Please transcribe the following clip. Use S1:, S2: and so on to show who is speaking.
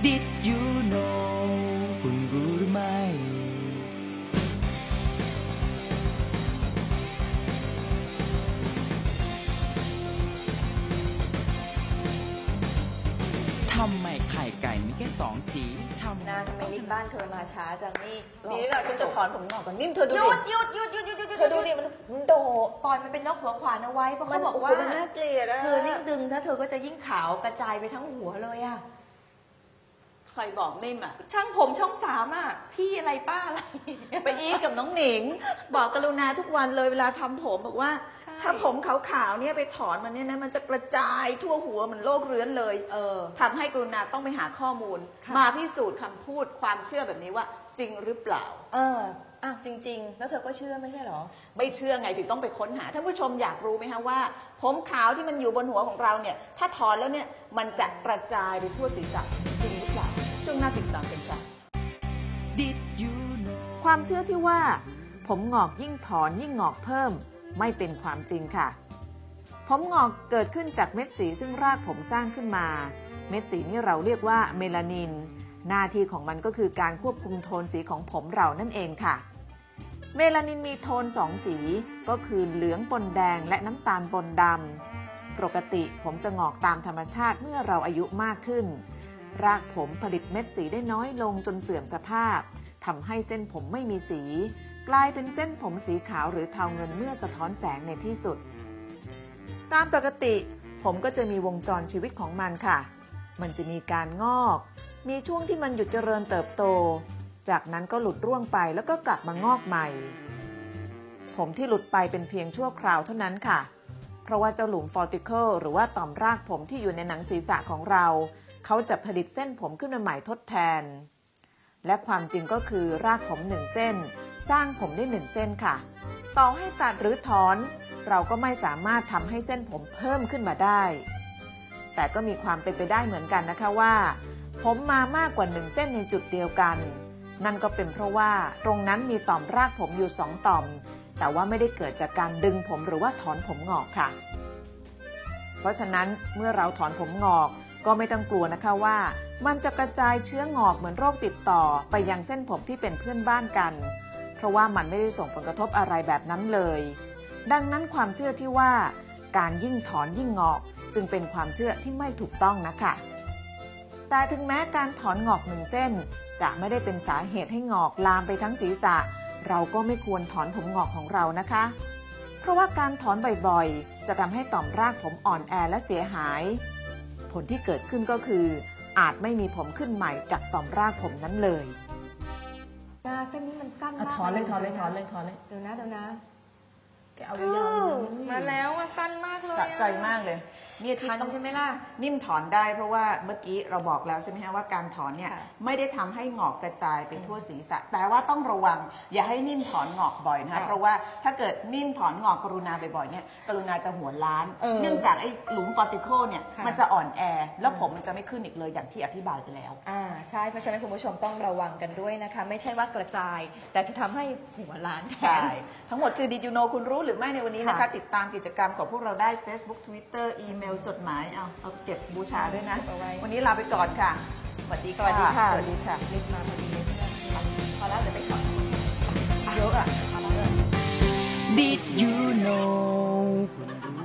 S1: Did you know คุณรู้หรือไม่ทำไมไข่ไก่มีแค่2 สีทำ
S2: นะทำไมลิฟต์บ้านเธอมาช้าจังนี่
S3: นี่เราจะถอนผมงอกก่อนนิ่มเธอดูดิ
S2: หยุด
S3: เธอดูดิมันโด
S2: ปล่อยมันเป็นนกหัวขวานเอาไว้เพราะเขาบอกว่า
S3: มันน่าเกลียดอะ
S2: คือยิ่งดึงถ้าเธอก็จะยิ่งขาวกระจายไปทั้งหัวเลยอะ
S3: ใครบอกนิ่มอะ
S2: ช่างผมช่อง3อะพี่อะไรป้าอะไร
S3: ไปอีกับน้องหนิงบอกกรุณาทุกวันเลยเวลาทำผมบอกว่าถ้าผมขาวๆเนี่ยไปถอนมันเนี่ยนะมันจะกระจายทั่วหัวเหมือนโรคเรื้อนเลยทำให้กรุณาต้องไปหาข้อมูลมาพิสูจน์คำพูดความเชื่อแบบนี้ว่าจริงหรือเปล่า
S2: จริงๆแล้วเธอก็เชื่อไม่ใช่หรอ
S3: ไม่เชื่อไงถึงต้องไปค้นหาท่านผู้ชมอยากรู้ไหมคะว่าผมขาวที่มันอยู่บนหัวของเราเนี่ยถ้าถอนแล้วเนี่ยมันจะกระจายไปทั่วศีรษะจริงหรือเปล่าช่วงหน้าติดตามกันค่ะ
S1: Did you know
S4: ความเชื่อที่ว่าผมงอกยิ่งถอนยิ่งงอกเพิ่มไม่เป็นความจริงค่ะผมงอกเกิดขึ้นจากเม็ดสีซึ่งรากผมสร้างขึ้นมาเม็ดสีนี้เราเรียกว่าเมลานินหน้าที่ของมันก็คือการควบคุมโทนสีของผมเรานั่นเองค่ะเมลานินมีโทน2 สีก็คือเหลืองปนแดงและน้ำตาลปนดำปกติผมจะงอกตามธรรมชาติเมื่อเราอายุมากขึ้นรากผมผลิตเม็ดสีได้น้อยลงจนเสื่อมสภาพทำให้เส้นผมไม่มีสีกลายเป็นเส้นผมสีขาวหรือเทาเงินเมื่อสะท้อนแสงในที่สุดตามปกติผมก็จะมีวงจรชีวิตของมันค่ะมันจะมีการงอกมีช่วงที่มันหยุดเจริญเติบโตจากนั้นก็หลุดร่วงไปแล้วก็กลับมางอกใหม่ผมที่หลุดไปเป็นเพียงชั่วคราวเท่านั้นค่ะเพราะว่าเจ้าหลุมฟอลติเคิลหรือว่าต่อมรากผมที่อยู่ในหนังศีรษะของเราเขาจะผลิตเส้นผมขึ้นมาใหม่ทดแทนและความจริงก็คือรากผม1 เส้นสร้างผมได้1 เส้นค่ะต่อให้ตัดหรือถอนเราก็ไม่สามารถทำให้เส้นผมเพิ่มขึ้นมาได้แต่ก็มีความเป็นไปได้เหมือนกันนะคะว่าผมมามากกว่า1 เส้นในจุดเดียวกันนั่นก็เป็นเพราะว่าตรงนั้นมีต่อมรากผมอยู่2 ต่อมแต่ว่าไม่ได้เกิดจากการดึงผมหรือว่าถอนผมงอกค่ะเพราะฉะนั้นเมื่อเราถอนผมงอกก็ไม่ต้องกลัวนะคะว่ามันจะกระจายเชื้องอกเหมือนโรคติดต่อไปยังเส้นผมที่เป็นเพื่อนบ้านกันเพราะว่ามันไม่ได้ส่งผลกระทบอะไรแบบนั้นเลยดังนั้นความเชื่อที่ว่าการยิ่งถอนยิ่งงอกจึงเป็นความเชื่อที่ไม่ถูกต้องนะคะแต่ถึงแม้การถอนงอก1 เส้นจะไม่ได้เป็นสาเหตุให้งอกลามไปทั้งศีรษะเราก็ไม่ควรถอนผมงอกของเรานะคะเพราะว่าการถอนบ่อยๆจะทำให้ต่อมรากผมอ่อนแอและเสียหายผลที่เกิดขึ้นก็คืออาจไม่มีผมขึ้นใหม่จากต่อมรากผมนั้นเลย
S2: เส้นนี้มันสั้นมาก
S3: ถอนเลย
S2: เดี๋ยวนะ
S3: เอายาว
S2: มาแล้วสั้นมากเลย
S3: สะใจมากเลยเนี่ยที่
S2: ต้องใช่ไหมล่ะ
S3: นิ่มถอนได้เพราะว่าเมื่อกี้เราบอกแล้วใช่ไหมฮะว่าการถอนเนี่ยไม่ได้ทำให้งอกกระจายไปทั่วศีรษะแต่ว่าต้องระวังอย่าให้นิ่มถอนงอกบ่อยนะคะเพราะว่าถ้าเกิดนิ่มถอนงอกกรุณาบ่อยๆเนี่ยกรุณาจะหัวล้านเนื่องจากไอ้หลุมฟอร์ติเคิลเนี่ยมันจะอ่อนแอแล้วผมมันจะไม่ขึ้นอีกเลยอย่างที่อธิบายไปแล้ว
S2: ใช่เพราะฉะนั้นคุณผู้ชมต้องระวังกันด้วยนะคะไม่ใช่ว่ากระจายแต่จะทำให้หัวล้านแทน
S3: ทั้งหมดคือ Did you know คุณรู้หรือไม่ในวันนี้นะคะติดตามกิจกรรมของพวกเราได้ Facebook Twitter อีเมลจดหมายเอาเก็บบูชาด้วยนะวันนี้ลาไปก่อนค่ะสวัสดีค่ะ
S2: สวัสดีค่ะรีบมาพอดีพอแล้วเดี๋ยวไปก่อน
S3: เยอะอ่ะ
S1: Did you know